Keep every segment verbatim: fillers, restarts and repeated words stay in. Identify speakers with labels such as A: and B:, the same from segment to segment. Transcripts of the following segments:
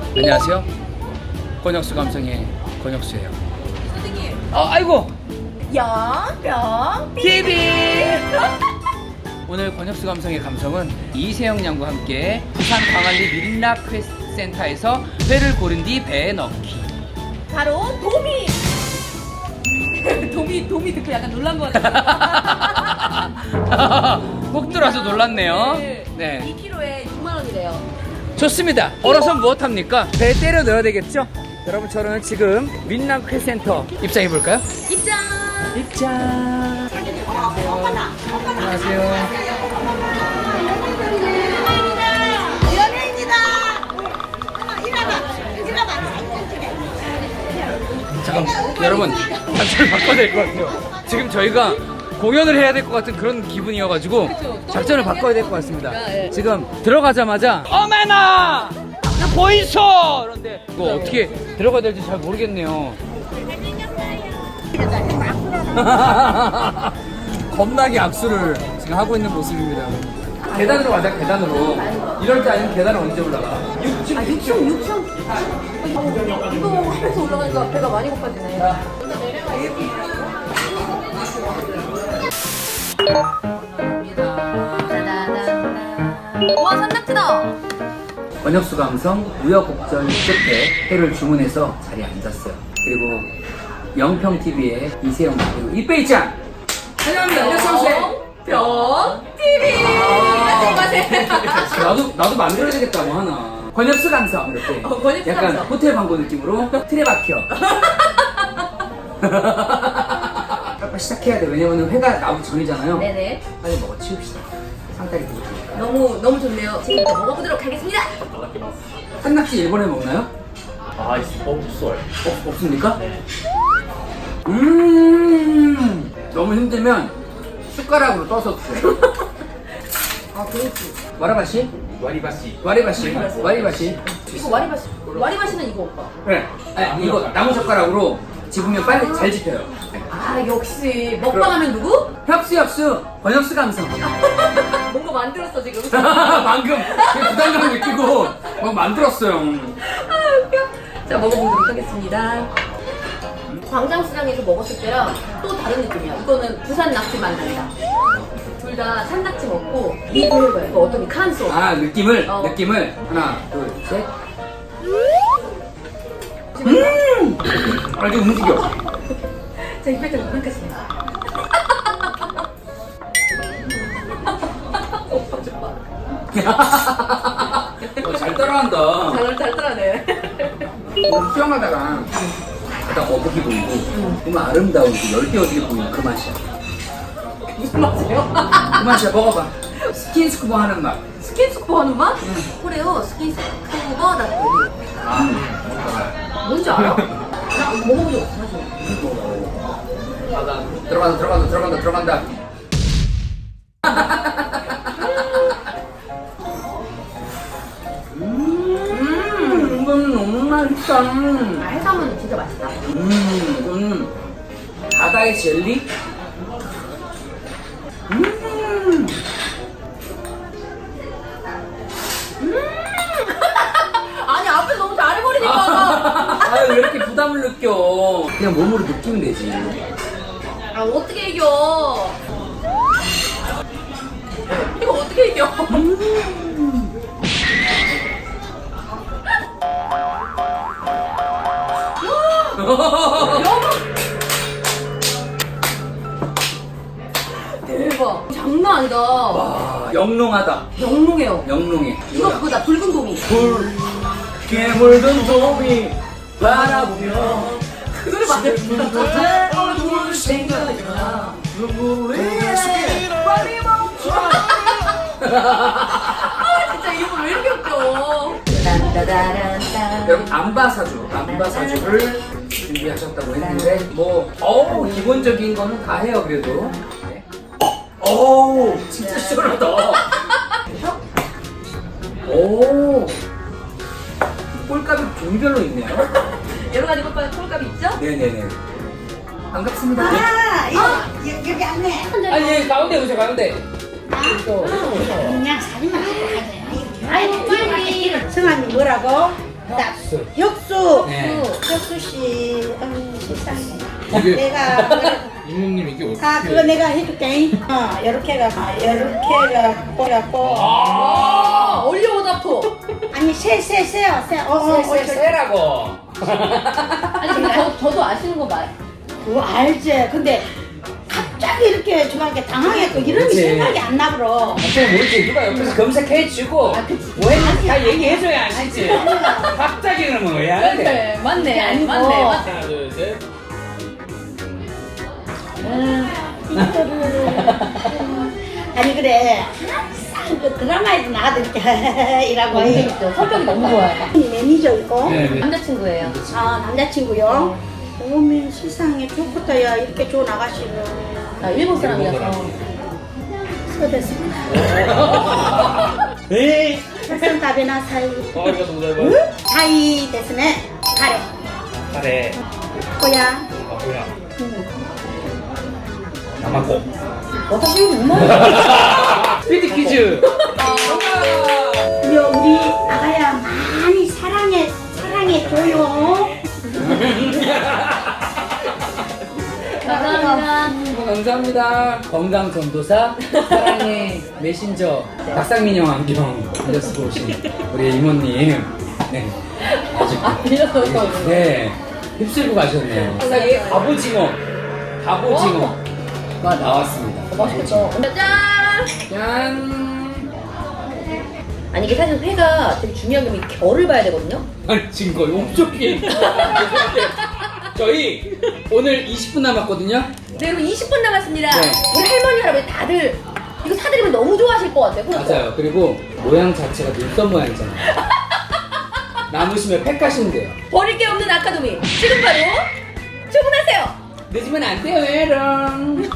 A: 안녕하세요. 권혁수 감성의 권혁수예요.
B: 선생님.
A: 아, 아이고.
B: 영병
A: 티비. 오늘 권혁수 감성의 감성은 이세영 양과 함께 부산 광안리 민락 퀘센터에서 회를 고른 뒤 배에 넣기.
B: 바로 도미. 도미 도미 듣고 약간 놀란 것 같아요.
A: 꼭 들어와서 놀랐네요.
B: 네.
A: 네.
B: 이 킬로에 육만 원이래요.
A: 좋습니다. 얼어서 무엇 합니까? 배에 때려 넣어야 되겠죠? 여러분, 저는 지금 민락 퀘센터 입장해 볼까요?
B: 입장.
A: 입장. 안녕하세요.
C: 연예인이다. 일어나, 일어나.
A: 잠깐, 여러분, 작전을 바꿔야 될 것 같아요. 지금 저희가 공연을 해야 될 것 같은 그런 기분이어가지고
B: 그쵸.
A: 작전을 바꿔야 될 것 같습니다.
B: 네.
A: 지금 들어가자마자 어메나! 이거 보이소! 그런데 이거 어떻게 들어가야 될지 잘 모르겠네요. 겁나게 악수를 지금 하고 있는 모습입니다. 계단으로 가자, 계단으로. 이럴 때 아니면 계단을 언제 올라가? 육 층, 육 층.
B: 육 층. 이거 하면서 올라가니까 배가 많이 고파지네. 와, 산낙지다.
A: 권혁수 감성 우여곡절 끝에 회를 주문해서 자리에 앉았어요. 그리고 영평티비의 이세영 그리고 이빼이짱 환영합니다. 안녕하세요.
B: 병 티비. 안녕히 가세요.
A: 나도 나도 만들어야 되겠다 뭐 하나. 권혁수 감성 이렇게.
B: 어, 권혁수
A: 약간
B: 감성.
A: 호텔 광고 느낌으로 틀에 박혀. 빨리 시작해야 돼. 왜냐면 회가 나오기 전이잖아요.
B: 네네.
A: 빨리 먹어 치웁시다. 상다리 부족해.
B: 너무 너무 좋네요. 지금부터 먹어보도록 하겠습니다.
A: 한낙지 일본에 먹나요?
D: 아, 있- 없어요.
A: 없, 없습니까? 음 너무 힘들면 숟가락으로 떠서 드세요.
B: 아, 그렇지.
A: 와라바시?
D: 와리바시.
A: 와리바시? 와리바시?
B: 이거 와리바시. 와리바시는 이거 오빠.
A: 그래. 아니, 이거 나무 젓가락으로 집으면 빨리 잘 집혀요.
B: 아, 역시 먹방하면 누구?
A: 협수 협수 권혁수 감성.
B: 뭔가 만들었어 지금.
A: 방금 부담감 느끼고 뭐 만들었어요.
B: 자, 먹어보도록 하겠습니다. 광장시장에서 먹었을 때랑 또 다른 느낌이야. 이거는 부산 낙지 만난다. 둘 다 산낙지 먹고 이 드는 거야. 이거 어떤 게 칸소.
A: 아 느낌을
B: 어.
A: 느낌을 하나 둘 셋. 음 아주 움직여.
B: 자, 입에 좀 끊겠습니다. 오빠 좀 봐.
A: 어, 잘 따라한다.
B: 잘, 잘 따라네.
A: 뭐 수영하다가 바다 거북이 보이고 정말 아름다운 그 열대어들이 보이는 그 맛이야.
B: 무슨 맛이에요?
A: 그 맛이야. 먹어봐. 스킨스쿠버 하는 맛.
B: 스킨스쿠버 하는 맛? 그래요. 스킨스쿠버 나도 뭔지 알아? 나 먹어본 적 없어 사실.
A: 들어간다 들어간다 들어간다 들어간다. 음 이건 너무 맛있다.
B: 아, 해삼은 진짜 맛있다.
A: 음 이거는 바다의 젤리. 음
B: 아니, 앞에서 너무 잘해버리니까.
A: 아왜 이렇게 부담을 느껴. 그냥 몸으로 느끼면 되지.
B: 아, 어떻게 이겨? 이거 어떻게 이겨? 대박. 장난 아니다.
A: 와 영롱하다.
B: 영롱해요.
A: 영롱해.
B: 이거 그거다. 붉은 도미.
A: 붉게 물든 도미 바라보며
B: 그 노래 맞아요.
A: 내 얼굴 생각나 눈물이 빨리 멈춰.
B: 아, 진짜 이거 왜 이렇게 웃겨? 딴따다란딴.
A: 여러분 안바사주 안바사주를 준비하셨다고 했는데 뭐 어우 기본적인 거는 다 해요 그래도. 네. 어우 진짜 시원하다. 오 꼴값이 종별로 있네요.
B: 여러 가지 꼴값, 꼴값이 있죠?
A: 네네네. 반갑습니다.
C: 아, 이거 여- 여기 안네.
A: 아니 가운데 오세요 가운데.
C: 그냥 사진만 찍고 가자. 아이고, 빨리. 성함이 뭐라고? 딱 혁수.
A: 네.
C: 혁수 씨. 아유, 세상에.
E: 이게-
C: 내가
E: 이모님 이게 어떻게?
C: 아 그거 내가 해줄게. 어 이렇게 해가 이렇게 해갖고 해갖고.
B: 아, 올리오다토.
C: 아니 세세세요 세. 어어 어,
A: 세라고.
B: 아니 근데 저, 저도 아시는 거 말.
C: 그거 알지. 근데 갑자기 이렇게 저한테 당황했고 이런 게
A: 그치.
C: 생각이 안 나버려.
A: 갑자기 모르지 누가 옆에서 검색해주고 뭐 했는지 다 얘기해줘야 아시지. 갑자기 그러면 왜 안 돼?
B: 그래, 맞네,
C: 아니고.
B: 맞네, 맞네.
E: 하나 둘 셋.
C: 아니 그래 항상 그 드라마에도 나가도 이렇게 이라고
B: 너무
C: 해.
B: 재밌죠. 성격이 너무 좋아요.
C: 매니저이고
A: 네, 네.
B: 남자친구예요.
C: 아 남자친구요. 오면 세상에 좋겠다 야 이렇게 좋은 아가씨를
B: 나 일본 사람이라서.
C: 서됐습니다.
A: 에이.
C: 백성 다베나 사이
E: 아 이거 너무 잘
C: 사이 데스네 가래
A: 잘해.
C: 꼬야.
E: 아 뭐야?
A: 남았고.
B: 어떻게 엄마?
A: 스피드 퀴즈.
C: 여 우리 아가야 많이 사랑해 사랑해줘요.
B: 감사합니다.
A: 감사합니다. 건강 전도사 사랑의 메신저 박상민형 안경 빌려쓰고 오신 우리 이모님. 네. 아주
B: 아, 빌려서 오셨어요.
A: 네. 휩쓸고 가셨네요. 세상에 갑오징어, 갑오징어가 나왔습니다.
B: 맛있겠다. 짠!
A: 짠.
B: 아니 이게 사실 회가 되게 중요한 게 결을 봐야 되거든요.
A: 아니 지금 거의 엄청 긴. 저희 오늘 이십 분 남았거든요.
B: 네, 그럼 이십 분 남았습니다.
A: 네.
B: 우리 할머니 할아버지 다들 이거 사드리면 너무 좋아하실 것 같아요. 그렇죠?
A: 맞아요. 그리고 모양 자체가 눈썹 모양이잖아요. 남으시면 팩 하시면 돼요.
B: 버릴 게 없는 아카데미 지금 바로 주문하세요.
A: 늦으면 안 돼요, 에롱.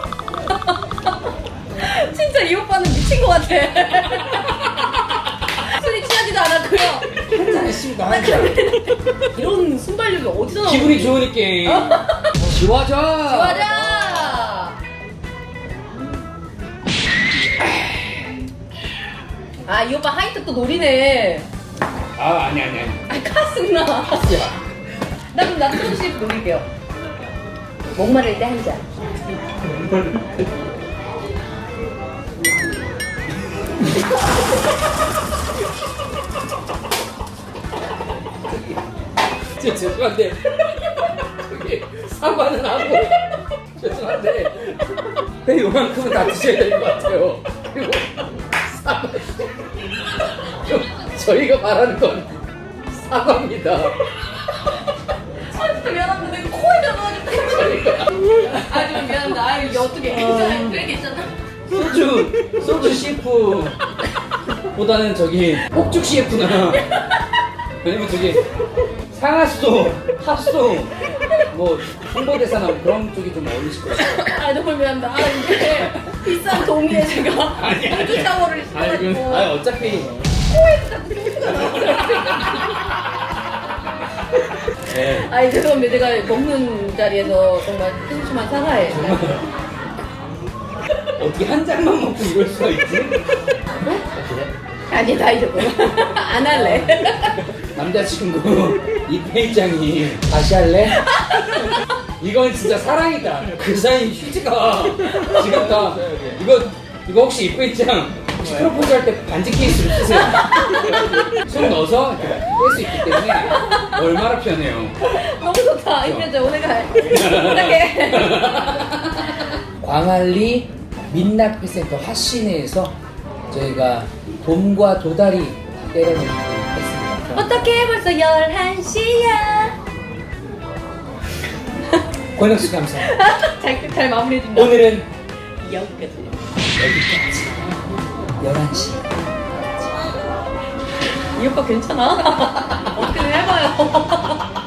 B: 진짜 이 오빠는 미친 것 같아. 술이 취하지도 않았고요.
A: 한잔 했습니다, 한잔.
B: 이런 순발력이 어디서 나오는
A: 기분이 좋으니까. 지워져.
B: 맞아. 아, 이 오빠 하이트 또 노리네.
A: 아, 아니, 아니, 아니.
B: 아, 카스구나. 나 그럼 나도 소주씩 노릴게요. 목마를 때 한 잔.
A: 저, 죄송한데. 저기, 사과는 하고. 죄송한데. 배 요만큼은 다 드셔야 될 것 같아요. 그리고 사과. 좀, 저희가 말하는 건 사과입니다.
B: 아, 진짜 미안합니다. 내가 코에 들어가지고. 아, 좀 미안합니다. 아, 이게 어떻게 괜찮아? 왜 괜찮아?
A: 소주, 소주 씨프 보다는 저기 폭죽 씨프나 아니면 저기 상하소, 핫소 뭐 홍보대사나 뭐 그런 쪽이 좀 어울리실 것 같아요.
B: 아, 너무 미안합니다. 아, 이게 비싼 동의에 제가
A: 아니, 아니.
B: 소주 샤워를
A: 아니, 그,
B: 시켜가지고.
A: 아니 어차피 네.
B: 아이 죄송합니다. 제가 먹는 자리에서 정말 심심한 사과해.
A: 어떻게 한 잔만 먹고 이럴 수가 있지?
B: 아니 나 이러고 안 할래.
A: 남자친구 이페이장이 다시 할래? 이건 진짜 사랑이다. 그 사이 휴지가 지금 다 이거 이거 혹시 이페이장 혹시 프로포즈 할 때 반지 케이스로 쓰세요. 손 넣어서 이렇게 뺄 수 있기 때문에 얼마나 편해요.
B: 너무 좋다. 이제 오늘 가. 부탁해.
A: 광안리 민낯회센터 화시내에서 저희가 돔과 도다리 때려놓기 했습니다.
B: 어떻게 벌써 열한 시야?
A: 권혁수 감사합니다.
B: 잘, 잘 마무리해준다.
A: 오늘은
B: 여기까지.
A: 여기까지 열한 시.
B: 이 오빠 괜찮아? 어떻게든 해봐요.